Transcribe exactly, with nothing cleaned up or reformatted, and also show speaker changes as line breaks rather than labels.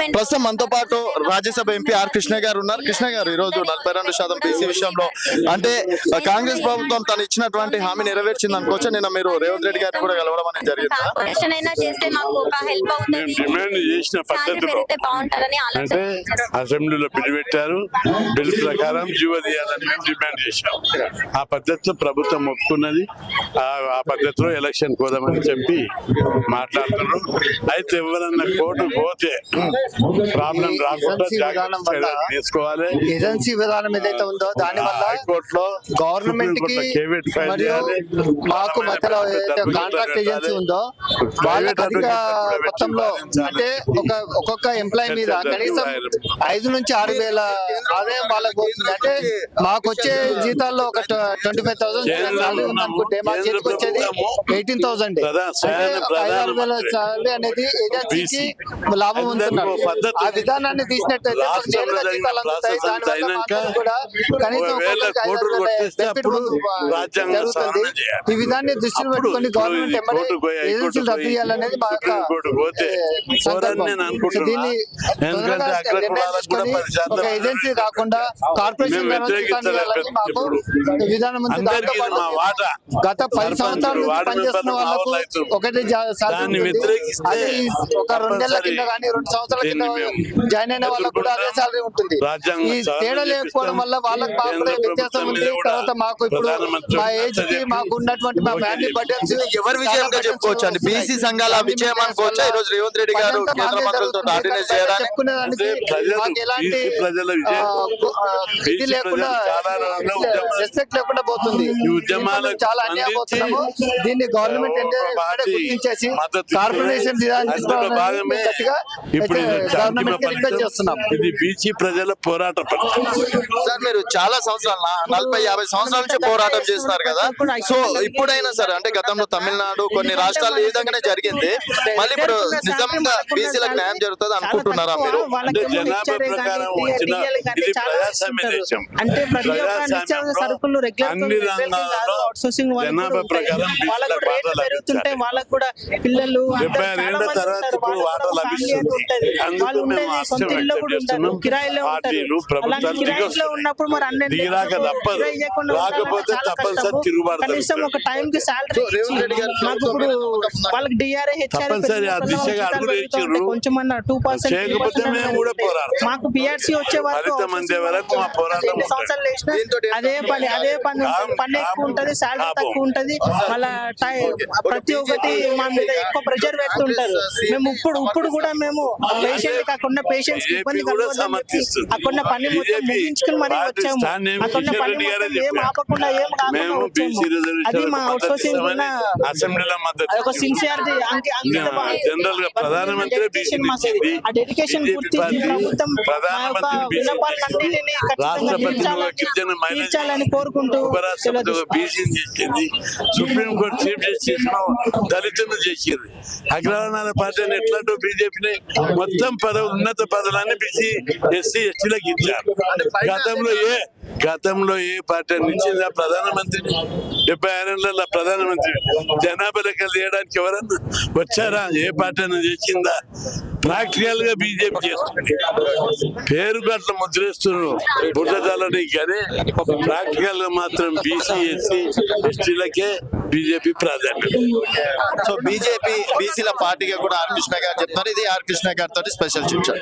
ప్రస్తుతం మనతో పాటు రాజ్యసభ ఎంపీ ఆర్ కృష్ణ గారు ఉన్నారు. కృష్ణ గారు, ఈ రోజు నలభై రెండు శాతం బీసీ విషయంలో అంటే కాంగ్రెస్ ప్రభుత్వం తను ఇచ్చినటువంటి హామీ నెరవేర్చింది అనుకోవచ్చు. నిన్న మీరు రేవంత్ రెడ్డి గారిని కూడా కలవడం అనేది జరిగింది.
డిమాండ్ చేసిన పద్ధతిలో అంటే అసెంబ్లీలో బిల్ పెట్టారు, బిల్ ప్రకారం జీవో తీయాలని మేము డిమాండ్ చేశాం. ఆ పద్ధతిలో ప్రభుత్వం ఒప్పుకున్నది. ఆ పద్ధతిలో ఎలక్షన్ పోదామని చెప్పి మాట్లాడుతున్నాం. అయితే ఎవరన్నా కోర్టు పోతే ప్రాబ్లం రాకుండా జాగ్రత్త తీసుకోవాలి.
ఏజెన్సీ విధానం ఏదైతే ఉందో దాని వల్ల
హైకోర్టులో
గవర్నమెంట్ కి మరియు మాకు మధ్యలో ఏదైతే కాంట్రాక్ట్ ఏజెన్సీ ఉందో వాళ్ళకి అధిక మొత్తంలో అంటే ఒక ఒక్కొక్క ఎంప్లాయీ మీద కనీసం ఐదు నుంచి ఆరు వేల ఆదాయం వాళ్ళకి పోతుంది. అంటే మాకు వచ్చే జీతాల్లో ఒక ట్వంటీ ఫైవ్ థౌసండ్ సాలరీ ఉందనుకుంటే మా చేతికి వచ్చేది ఎయిటీన్ థౌసండ్ ఐదారు వేల సాలరీ అనేది ఏజెన్సీకి లాభం ఉంటున్నారు. ఆ విధానాన్ని తీసినట్టయితే జీతాలు అందుతాయి. దానివల్ల కూడా కనీసం జరుగుతుంది. ఈ విధాన్ని దృష్టిలో పెట్టుకుని గవర్నమెంట్ ఎంబడి ఏజెన్సీలు రద్దు చేయాలనేది మా యొక్క దీన్ని ఒక ఏజెన్సీ కాకుండా కార్పొరేషన్ మాకు విధానం ఉంది. గత పది సంవత్సరాల నుంచి పనిచేస్తున్న వాళ్ళకు ఒకటి అది ఒక రెండేళ్ల కింద కానీ రెండు సంవత్సరాల కింద జాయిన్ అయిన వాళ్ళకు కూడా అదే సాలరీ ఉంటుంది. ఈ తేడా లేకపోవడం వల్ల వాళ్ళకి మాకు వ్యత్యాసం ఉంది. తర్వాత మాకు ఇప్పుడు మా ఏజ్ కి మాకు ఉన్నటువంటి మా ఫ్యామిలీ బడ్జెట్స్
ఎవరి విజయంగా చెప్పుకోవచ్చు అండి? బీసీ సంఘాల విజయం అనుకోవచ్చు. ఈ రోజు రేవంత్ రెడ్డి గారు కేంద్ర మంత్రులతో ఆర్డినెన్స్ చేయడానికి
చెప్పుకునేదానికి మాకు ఎలాంటి ఇది లేకుండా రెస్పెక్ట్ లేకుండా పోతుంది. చాలా అన్యాయం పోతున్నాము. దీన్ని గవర్నమెంట్ గుర్తించేసి కార్పొరేషన్
ఇప్పుడు
చేస్తున్నాం.
ఇది బీసీ ప్రజల పోరాట
సార్, మీరు చాలా సంవత్సరాలు నలభై యాభై సంవత్సరాల నుంచి పోరాటం చేస్తున్నారు కదా. సో ఇప్పుడైనా సరే అంటే గతంలో తమిళనాడు కొన్ని రాష్ట్రాలు ఈ విధంగానే జరిగింది. మళ్ళీ ఇప్పుడు నిజంగా బీసీలకు న్యాయం జరుగుతుంది అనుకుంటున్నారా మీరు?
అంటే జనాభా ప్రకారం వచ్చిన ఇది ప్రజాస్వామ్య దేశం. అన్ని రంగాల్లో జనాభా ప్రకారం
వాళ్ళకు కూడా పిల్లలు
డెబ్బై ఏళ్ల తర్వాత ఇప్పుడు వాటా లభిస్తుంది. అందుకు మేము ఆశ్చర్యం వ్యక్తం చేస్తున్నాం. పార్టీలు ప్రభుత్వాలు
ఉన్నప్పుడు మరి అన్ని
దిగిరాక తప్పదు, రాకపోతే తప్పనిసరి తిరుగుబాటు
ఒక టైం కి సాలరీ వాళ్ళకి డిఆర్ఏ
తప్పనిసరి ఆ దిశగా అడుగు వేయించారు.
కొంచెం టూ పర్సెంట్
చేయకపోతే మేము కూడా పోరాడతాం.
మాకు పిఆర్సీ వచ్చే
ఫలితం అందే వరకు మా పోరాటం
సంవత్సరాలు వేసిన అదే పని అదే పని పని ఎక్కువ ఉంటది, సాలరీ తక్కువ ఉంటది. మళ్ళా ప్రతి ఒక్కటి మా మీద ఎక్కువ ప్రెషర్ పెడుతుంటారు. మేము ఇప్పుడు ఇప్పుడు కూడా మేము పేషెంట్ కాకుండా పేషెంట్స్ ఇబ్బంది అక్కడ పని మొత్తం ముగించుకుని మరీ వచ్చాము. అక్కడ పని ఏం ఆపకుండా ఏం అది మా అవుట్ సోర్సింగ్
అసెంబ్లీలో మద్దతు
ఒక సిన్సియారిటీ
జనరల్ గా ప్రధానమంత్రి
ఆ డెడికేషన్ గుర్తించి ప్రభుత్వం తీర్చాలని కోరుకుంటూ
సుప్రీం కోర్టు చీఫ్ జస్టిస్ దళితులు చేసేది. అగ్రవర్ణాల పార్టీని ఎట్లాంటో బీజేపీని మొత్తం పదవులు ఉన్నత పదవులన్నీ బీసీ ఎస్సీ ఎస్టీలకు ఇచ్చారు. గతంలో ఏ గతంలో ఏ పార్టీ ఇచ్చిందా? ప్రధానమంత్రి డెబ్బై ఆరేళ్ల ప్రధానమంత్రి జనాభా లెక్కలు చేయడానికి ఎవరన్నా వచ్చారా? ఏ పార్టీ అయినా చేసిందా? ప్రాక్టికల్ గా బీజేపీ చేస్తుంది. పేరుకు అట్లా ముద్రేస్తున్నారు బుద్ధజాలని, కానీ ప్రాక్టికల్ గా మాత్రం బీసీ ఎస్సీ ఎస్టీలకే బీజేపీ ప్రాధాన్యత.
సో బీజేపీ బీసీల పార్టీగా కూడా ఆర్ కృష్ణ గారు చెప్తారు. ఇది ఆర్ కృష్ణ గారితో స్పెషల్ చూచారు.